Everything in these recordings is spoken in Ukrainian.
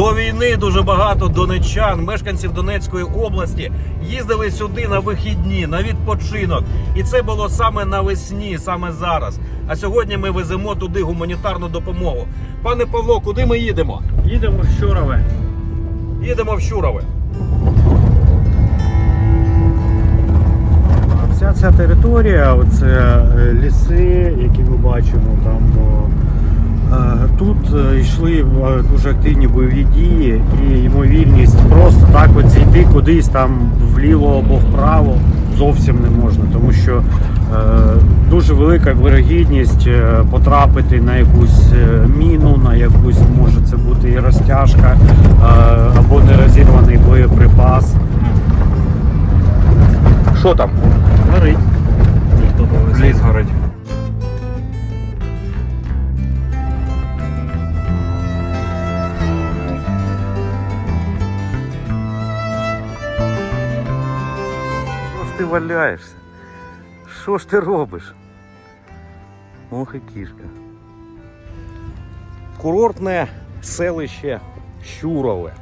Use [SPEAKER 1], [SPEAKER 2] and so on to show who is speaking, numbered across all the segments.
[SPEAKER 1] До війни дуже багато донеччан, мешканців Донецької області, їздили сюди на вихідні, на відпочинок. І це було саме навесні, саме зараз. А сьогодні ми веземо туди гуманітарну допомогу. Пане Павло, куди ми їдемо?
[SPEAKER 2] Їдемо в Щурове.
[SPEAKER 1] Їдемо в Щурове.
[SPEAKER 2] Вся ця територія, оце ліси, які ми бачимо, там тут йшли дуже активні бойові дії і ймовірність просто так от зійти кудись там вліво або вправо зовсім не можна, тому що дуже велика вирогідність потрапити на якусь міну, на якусь, може це бути і розтяжка, або нерозірваний боєприпас.
[SPEAKER 1] Що там?
[SPEAKER 2] Горить.
[SPEAKER 1] Ліс горить. Що ж ти валяєшся? Що ж ти робиш? Ох і кішка. Курортне селище Щурове.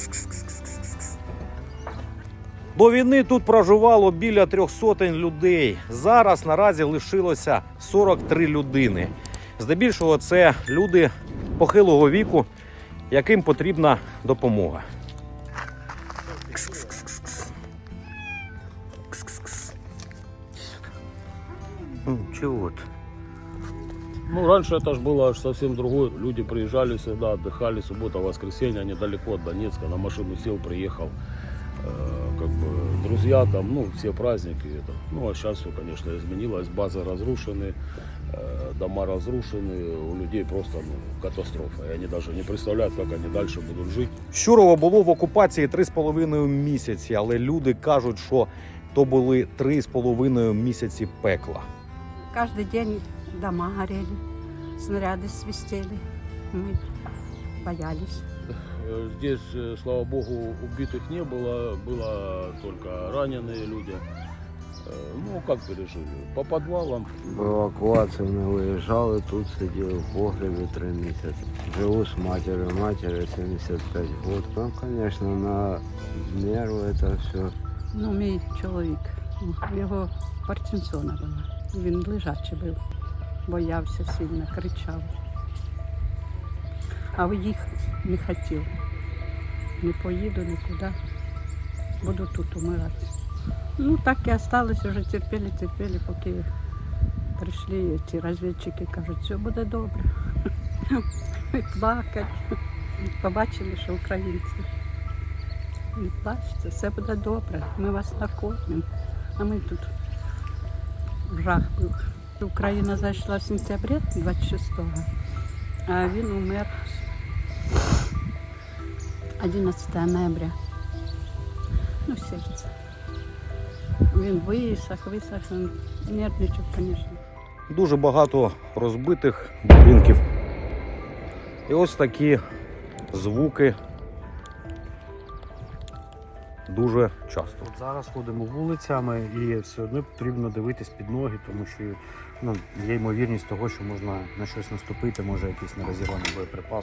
[SPEAKER 1] До війни тут проживало біля 300 людей. Зараз наразі лишилося 43 людини. Здебільшого це люди похилого віку, яким потрібна допомога. Чего ты?
[SPEAKER 3] Ну, раньше это же было аж совсем другое. Люди приезжали сюда, отдыхали, суббота, воскресенье, недалеко от Донецка, на машину сел, приехал. Как бы друзья там, ну, все праздники. Это. Ну, а сейчас все, конечно, изменилось. Базы разрушены, дома разрушены, у людей просто катастрофа. И они даже не представляют, как они дальше будут жить.
[SPEAKER 1] Щурово було в окупації 3,5 місяці, але люди кажуть, що то були 3,5 місяці пекла.
[SPEAKER 4] Каждый день дома горели, снаряды свистели. Мы боялись.
[SPEAKER 3] Здесь, слава богу, убитых не было, было только раненые люди. Ну, как пережили? По подвалам.
[SPEAKER 5] В эвакуацию мы выезжали, тут сидел в погребе 3 месяца. Живу с матерью, матери 75 год. Ну, конечно, на нервы это все.
[SPEAKER 4] Ну, мій чоловік, його Паркінсона було. Він лежачий був, боявся сильно, кричав. А виїхати не хотів. Не поїду нікуди, буду тут умирати. Ну, так і залишилося, вже терпіли, поки прийшли ці розвідчики, кажуть, все буде добре. Плакать. Побачили, що українці. Не плачте, все буде добре, ми вас накормимо. А ми тут жах був. Україна зайшла в сентябрі 26-го, а він умер 11 ноября. Ну, в серце. Він висох, він нервничав, звісно.
[SPEAKER 1] Дуже багато розбитих будинків. І ось такі звуки дуже часто.
[SPEAKER 2] От зараз ходимо вулицями і все одно потрібно дивитись під ноги, тому що є ймовірність того, що можна на щось наступити, може якийсь нерозірваний боєприпас.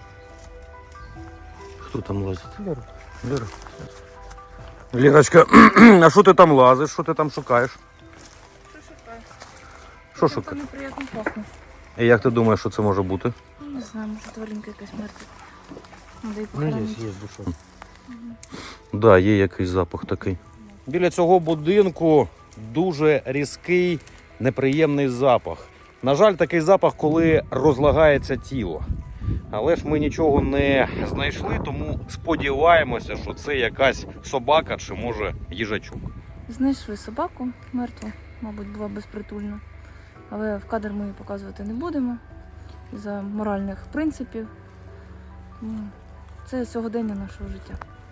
[SPEAKER 1] Хто там лазить? Лера. Лерочка, а що ти там лазиш? Що ти там шукаєш?
[SPEAKER 6] Що шукаю?
[SPEAKER 1] Що
[SPEAKER 6] Це
[SPEAKER 1] шукаєш?
[SPEAKER 6] неприємно пахне.
[SPEAKER 1] І як ти думаєш, що це може бути?
[SPEAKER 6] Не знаю, може тваринка якась мертва. Надо її
[SPEAKER 2] Ну, є
[SPEAKER 6] похоронити.
[SPEAKER 2] душок.
[SPEAKER 1] Так, да, є якийсь запах такий. Біля цього будинку дуже різкий, неприємний запах. На жаль, такий запах, коли розлагається тіло. Але ж ми нічого не знайшли, тому сподіваємося, що це якась собака чи, може, їжачок.
[SPEAKER 6] Знайшли собаку мертву, мабуть, була безпритульна. Але в кадр ми її показувати не будемо. Із-за моральних принципів. Це сьогодення нашого життя.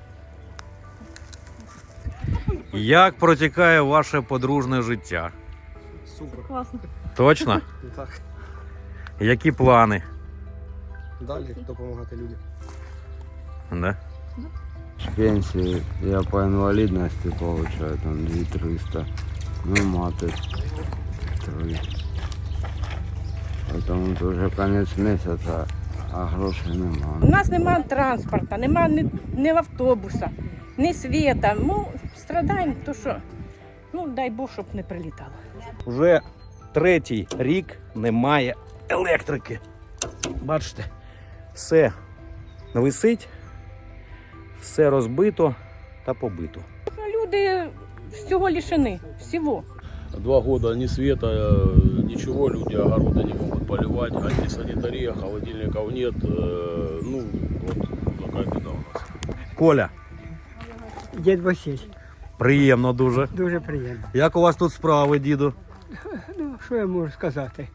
[SPEAKER 1] Як протікає ваше подружне життя?
[SPEAKER 7] Супер.
[SPEAKER 6] Класно.
[SPEAKER 1] Точно?
[SPEAKER 7] Так.
[SPEAKER 1] Які плани?
[SPEAKER 7] Далі допомагати людям.
[SPEAKER 1] Да?
[SPEAKER 5] С пенсии я по инвалидности получаю там 2300. Ну, маты 3. Поэтому это уже конец месяца. а грошей
[SPEAKER 8] У
[SPEAKER 5] нема.
[SPEAKER 8] нас немає транспорту, немає ні автобуса, ні світа. Ну, страдаємо, то що, ну, дай Бог, щоб не прилітало.
[SPEAKER 1] Вже 3-й рік немає електрики. Бачите, все висить, все розбито та побито.
[SPEAKER 8] Люди всього лишені, всього.
[SPEAKER 3] 2 года ни света, ничего, люди огороды не могут поливать, антисанитария, холодильников нет. Ну, вот такая беда у нас.
[SPEAKER 1] Коля,
[SPEAKER 9] Дід Василь,
[SPEAKER 1] приємно дуже.
[SPEAKER 9] дуже приємно.
[SPEAKER 1] Як у вас тут справи, діду?
[SPEAKER 9] Ну, що я можу сказати?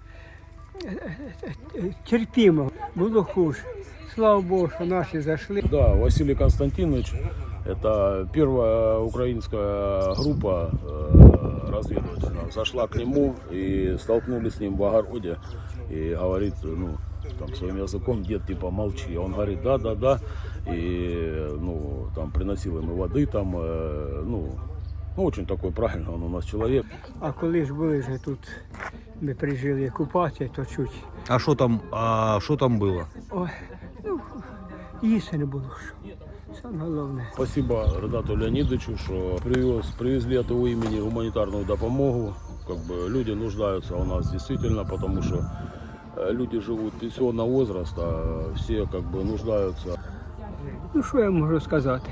[SPEAKER 9] Терпімо, було хуже. Слава Богу, що наші зайшли.
[SPEAKER 3] Да, Василий Константинович, это первая украинская группа разведывательная, зашла к нему и столкнулись с ним в огороде и говорит, ну, там своим языком, дед, типа, молчи. Он говорит, да, и, ну, там приносил ему воды, там, ну, очень такой правильный он у нас человек.
[SPEAKER 9] А коли ж були вже тут, ми прижили окупацію, то чуть.
[SPEAKER 1] А що там було?
[SPEAKER 9] Ой, ну, їсти не було що. Саме головне.
[SPEAKER 3] Спасибо Ренату Леонидовичу, что привезли от его имени гуманитарную допомогу. Как бы люди нуждаются у нас действительно, потому что люди живут пенсионного возраста, все как бы нуждаются.
[SPEAKER 9] Ну, що я можу сказати?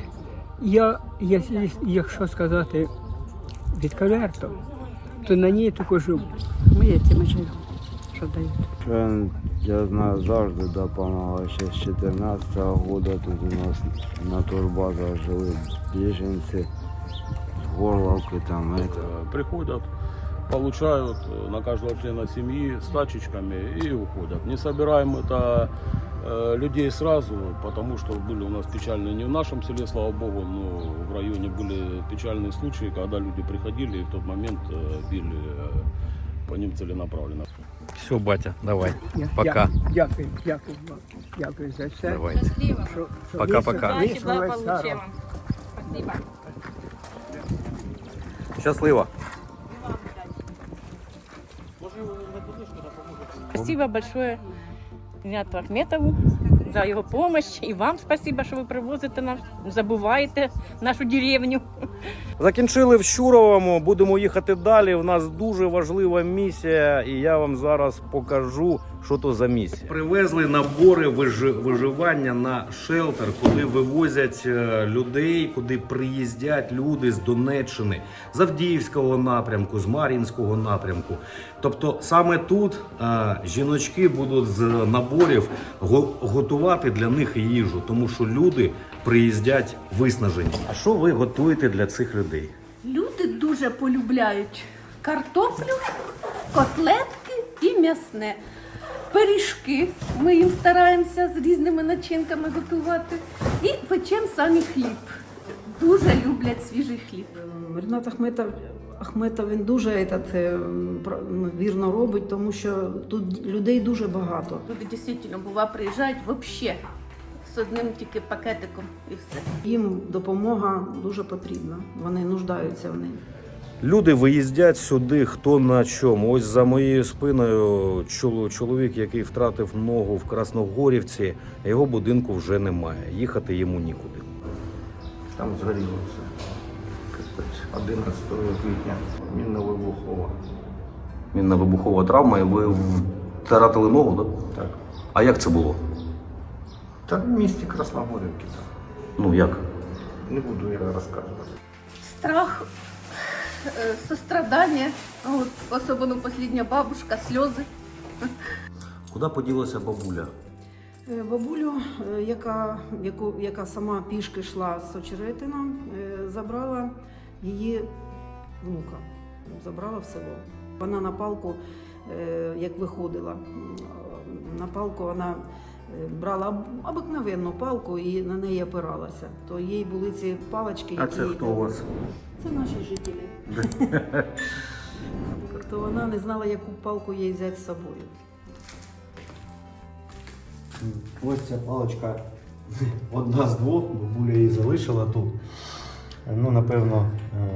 [SPEAKER 9] Якщо сказати відкрито, то на ній тільки живу.
[SPEAKER 4] Ми цим живемо, що дають.
[SPEAKER 5] Я знаю, завжди допомагав. Ще з 14-го року тут у нас на турбазах жили біженці, з Горловки там.
[SPEAKER 3] Приходят, получают на каждого члена семьи с тачечками и уходят. Не собираем это людей сразу, потому что были у нас печальные, не в нашем селе, слава богу, но в районе были печальные случаи, когда люди приходили и в тот момент били по ним целенаправленно.
[SPEAKER 1] Все, батя, давай.
[SPEAKER 9] Я-
[SPEAKER 1] Пока.
[SPEAKER 9] Дякую вам. Дякую за все.
[SPEAKER 1] Давайте.
[SPEAKER 9] Що
[SPEAKER 1] Пока-пока.
[SPEAKER 9] вийшло весело.
[SPEAKER 8] Спасибо.
[SPEAKER 1] Щасливо.
[SPEAKER 8] Спасибо большое Ренату Ахметову за його допомогу. І вам спасибо, що ви привозите нас, не забуваєте нашу деревню.
[SPEAKER 1] Закінчили в Щуровому, будемо їхати далі. У нас дуже важлива місія, і я вам зараз покажу, що то за місія. Привезли набори виживання на шелтер, куди вивозять людей, куди приїздять люди з Донеччини, з Авдіївського напрямку, з Мар'їнського напрямку. Тобто саме тут жіночки будуть з наборів готувати для них їжу, тому що люди приїздять виснажені. А що ви готуєте для цих людей?
[SPEAKER 10] Люди дуже полюбляють картоплю, котлетки і м'ясне. Пиріжки ми їм стараємося з різними начинками готувати. І печемо самі хліб. Дуже люблять свіжий хліб.
[SPEAKER 11] Ренат Ахметов він дуже вірно робить, тому що тут людей дуже багато.
[SPEAKER 10] Люди дійсно приїжджають взагалі з одним тільки пакетиком і все.
[SPEAKER 11] Їм допомога дуже потрібна, вони нуждаються в ній.
[SPEAKER 1] Люди виїздять сюди хто на чому. Ось за моєю спиною чоловік, який втратив ногу в Красногорівці, його будинку вже немає. Їхати йому нікуди.
[SPEAKER 2] Там згоріло все. 11 квітня. Мінно-вибухова.
[SPEAKER 1] Мінно-вибухова травма, і ви втратили ногу, так?
[SPEAKER 2] Так.
[SPEAKER 1] А як це було?
[SPEAKER 2] Та в місті Красногорівки.
[SPEAKER 1] Ну як?
[SPEAKER 2] Не буду я розказувати.
[SPEAKER 10] Страх, сострадання, от, особливо остання бабушка, сльози.
[SPEAKER 1] Куди поділася бабуля?
[SPEAKER 11] Бабулю, яка сама пішки йшла з Очеретина, забрала її внука, забрала в село. Вона на палку, як виходила, на палку вона брала обикновенну палку і на неї опиралася. То їй були ці палички.
[SPEAKER 1] А це хто у вас?
[SPEAKER 11] Це наші жителі. То вона не знала, яку палку їй взяти з собою.
[SPEAKER 2] Ось ця паличка одна з двох, бабуля її залишила тут. Ну, напевно,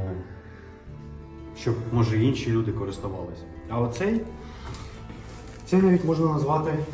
[SPEAKER 2] щоб, може, інші люди користувалися. А оцей, це навіть можна назвати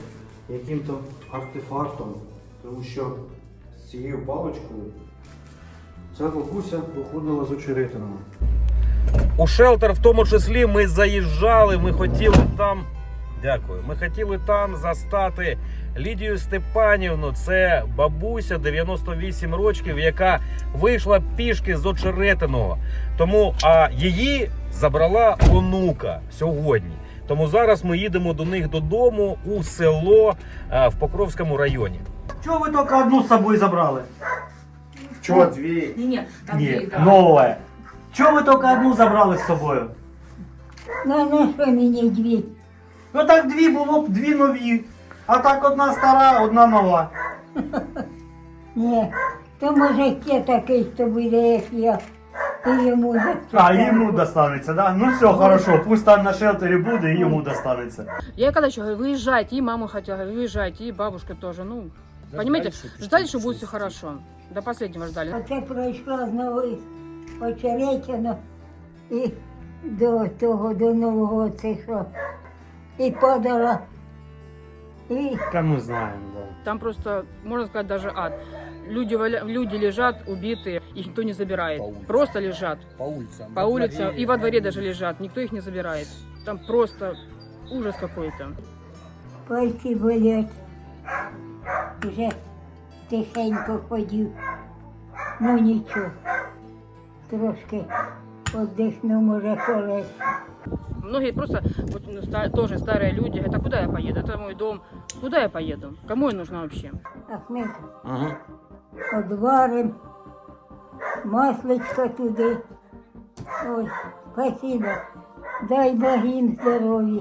[SPEAKER 2] яким-то артефактом, тому що з цією паличкою ця бабуся виходила з очеретинами.
[SPEAKER 1] У шелтер в тому числі ми заїжджали, ми хотіли там. Дякую. Ми хотіли там застати Лідію Степанівну. Це бабуся 98 років, яка вийшла пішки з Очеретиного. Тому її забрала онука сьогодні. Тому зараз ми їдемо до них додому у село в Покровському районі.
[SPEAKER 2] Чого ви тільки одну з собою забрали?
[SPEAKER 7] Чого дві?
[SPEAKER 2] Ні, нове. Чого ви тільки одну забрали з собою?
[SPEAKER 9] Ну, на що мені дві?
[SPEAKER 2] Ну так дві було б дві нові. А так одна стара, одна нова.
[SPEAKER 9] Ні, то може ще такий, хто буде, як я, і йому
[SPEAKER 2] А, йому достанеться, да? Ну все, хорошо, пусть там на шелтері буде і йому достанеться.
[SPEAKER 8] Я когда еще говорю, выезжайте, и маму хотела, говорю, выезжайте, и бабушка тоже, ну, понимаете, ждали, что будет все хорошо. До последнего ждали.
[SPEAKER 9] Оце пройшла знову Очеретино і до того, до Нового цього. І падала. І
[SPEAKER 2] Та ми знаємо, да.
[SPEAKER 8] Там просто, можно сказать, даже ад. Люди лежат убитые, их никто не забирает. Просто лежат. По улицам. И во дворе даже лежат. Никто их не забирает. Там просто ужас какой-то.
[SPEAKER 9] пальці болять. Вже тихенько ходив. Ну нічого. Трошки віддихну, може, колись.
[SPEAKER 8] Многие просто, вот, ну, тоже старые люди, это куда я поеду? Это мой дом. Куда я поеду? Кому я нужна вообще?
[SPEAKER 9] Ахмед,
[SPEAKER 1] Угу.
[SPEAKER 9] одварим, масличко туди. Ой, спасибо. Дай Бог їм здоров'я.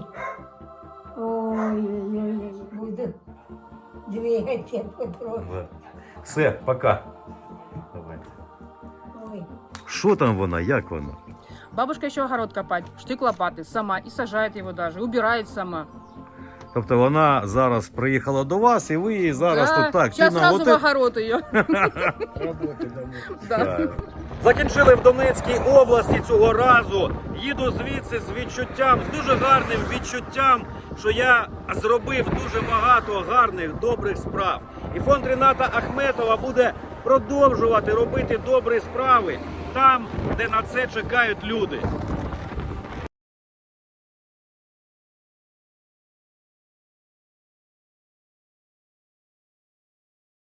[SPEAKER 9] Ой, буду двигатися потроху.
[SPEAKER 1] Все, пока.
[SPEAKER 9] Ой.
[SPEAKER 1] Що там вона? Як вона?
[SPEAKER 8] Бабушка еще огород копать, штык лопаты сама и сажает его даже, убирает сама.
[SPEAKER 1] Тобто вона зараз приїхала до вас, і ви її зараз тут так.
[SPEAKER 8] Сейчас
[SPEAKER 1] Тіна,
[SPEAKER 8] сразу
[SPEAKER 1] от
[SPEAKER 8] в огород ее.
[SPEAKER 1] Так. Закінчили в Донецькій області цього разу. Їду звідси з відчуттям, з дуже гарним відчуттям, що я зробив дуже багато гарних, добрих справ. І фонд Ріната Ахметова буде продовжувати робити добрі справи там, де на це чекають люди.